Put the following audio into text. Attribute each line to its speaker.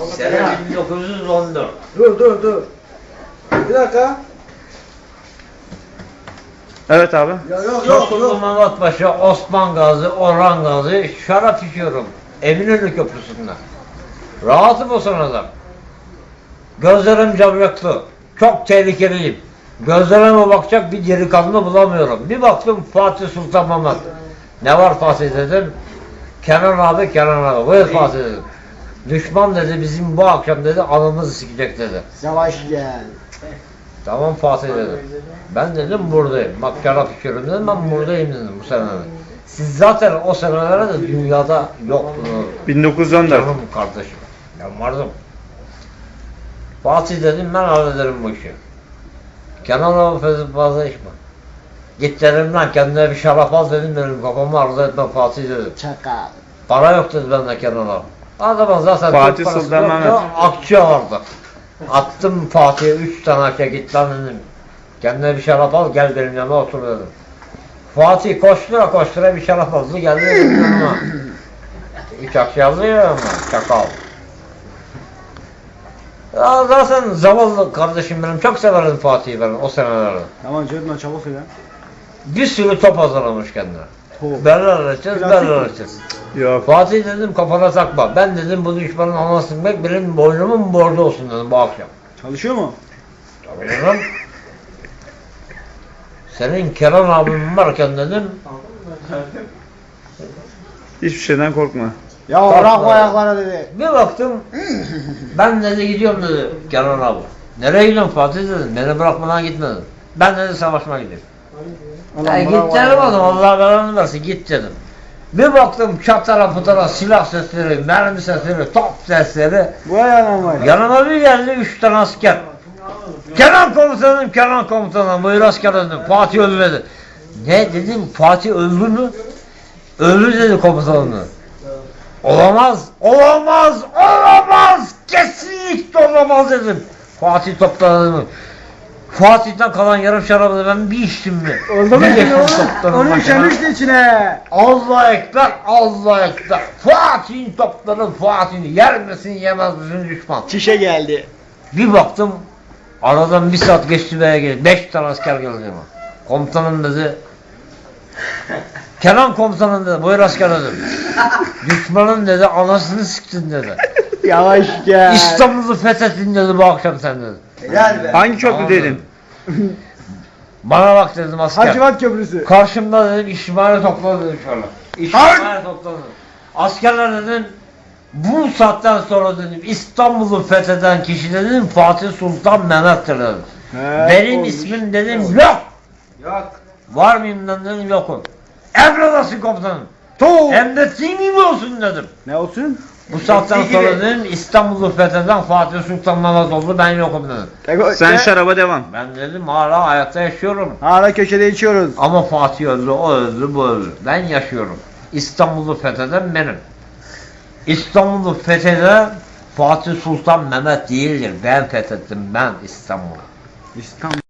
Speaker 1: Sene 1914.
Speaker 2: Dur. Bir dakika.
Speaker 3: Evet abi.
Speaker 2: Yok.
Speaker 1: Çokulu Mehmet Paşa, Osman Gazi, Orhan Gazi şarap içiyorum. Eminönü Köprüsü'nde. Rahatım o sırada. Gözlerim camyaklı. Çok tehlikeliyim. Gözlerime bakacak bir delikanlı bulamıyorum. Bir baktım Fatih Sultan Mehmet. Ne var Fatih dedim. Kenan abi. Buyur Fatih dedim. Düşman dedi bizim bu akşam dedi anamızı sikecek dedi.
Speaker 2: Yavaş gel.
Speaker 1: Tamam Fatih dedim. Ben dedim buradayım. Bak şarap içiyorum dedim ben buradayım dedim bu senelerde. Siz zaten o senelerde de dünyada yoktunuz.
Speaker 3: 1914.
Speaker 1: Canım kardeşim. Ben vardım. Fatih dedim ben hallederim bu işi. Kenan abi fazla içme. Git dedim lan kendine bir şarap al dedim kafamı arzu etme Fatih dedim.
Speaker 2: Çakal.
Speaker 1: Para yok dedi bende Kenan abi. Adamın zaten
Speaker 3: Fatih
Speaker 1: Türk parası
Speaker 3: Sultan
Speaker 1: yoktu,
Speaker 3: Mehmet.
Speaker 1: akçe vardı. Attım Fatih'e 3 tane akçe git lan dedim. Kendine bir şarap al gel benim yanıma otur dedim. Fatih koştura bir şarap aldı geldi benim yanıma. 3 akçe aldı ya ama çakal. Ya zaten zavallı kardeşim benim çok severdim Fatih'i ben o senelerde.
Speaker 2: Tamam Cedna çabuk söyle.
Speaker 1: Bir sürü top hazırlamış kendine.
Speaker 2: Top.
Speaker 1: Berler açacağız.
Speaker 3: Yok.
Speaker 1: Fatih dedim kafana takma. Ben dedim bu düşmanın anasını bilmek benim boynumun borcu olsun dedim bu akşam.
Speaker 2: Çalışıyor mu?
Speaker 1: Tabii canım. Senin Kenan abim varken dedim.
Speaker 3: Hiçbir şeyden korkma.
Speaker 2: Ya
Speaker 1: Korkma.
Speaker 2: bırak bu ayaklara dedi.
Speaker 1: Bir baktım. Ben dedi gidiyorum dedi Kenan abi. Nereye gidiyorsun Fatih dedim. Beni bırakmadan gitme dedim. Ben dedi savaşmaya gidiyorum. Ya git dedim adam Allah belanı versin git dedim. Bir baktım çatara putara silah sesleri, mermi sesleri, top sesleri.
Speaker 2: Bu ayağına var.
Speaker 1: Yanıma bir geldi 3 tane asker. Kenan komutanım buyur asker dedim. Fatih öldü dedi. Ne dedim Fatih öldü mü? Öldü dedi komutanım. Olamaz. Kesinlikle olamaz dedim. Fatih topladı. Fatih'ten kalan yarım şarabı ben bir içtim mi?
Speaker 2: Oldu mu
Speaker 1: Bir
Speaker 2: şimdi
Speaker 1: yakın
Speaker 2: oğlum?
Speaker 1: toplarım
Speaker 2: Onu
Speaker 1: başına.
Speaker 2: işemişti içine.
Speaker 1: Allah ekber. Fatih'in topları Fatih'in yer misin yemez misin düşman.
Speaker 2: Çişe geldi.
Speaker 1: Bir baktım aradan bir saat geçti veya geldi. 5 tane asker geldi yanıma. Komutanım dedi. Kenan komutanım dedi. Buyur asker dedim. Düşmanın dedi anasını siktin dedi.
Speaker 2: Yavaş gel.
Speaker 1: İstanbul'u fethettin dedi bu akşam sen dedi.
Speaker 3: Hangi
Speaker 1: Tamam
Speaker 3: köprüdeydin?
Speaker 1: dedim. Bana bak dedim asker.
Speaker 2: Hacivat Köprüsü.
Speaker 1: Karşımda dedim işimhane topladı dedim şöyle. İşimhane topladı. Askerler dedim bu saatten sonra dedim İstanbul'u fetheden kişi dedim Fatih Sultan Mehmet'tir dedim. Benim
Speaker 2: olmuş.
Speaker 1: ismim dedim yok. Var mıyım dedim yokum. Emredasın komutanım. Emrettiğin gibi olsun dedim.
Speaker 2: Ne olsun?
Speaker 1: Bu saatten sonra dedim İstanbul'u fetheden Fatih Sultan Mehmet oldu ben yokum dedim.
Speaker 3: Sen şaraba devam.
Speaker 1: Ben dedim hala hayatta yaşıyorum.
Speaker 2: Hala köşede içiyoruz.
Speaker 1: Ama Fatih öldü, o öldü, bu öldü. Ben yaşıyorum. İstanbul'u fetheden benim. İstanbul'u fetheden Fatih Sultan Mehmet değildir. Ben fethettim ben İstanbul'u.
Speaker 2: İstanbul.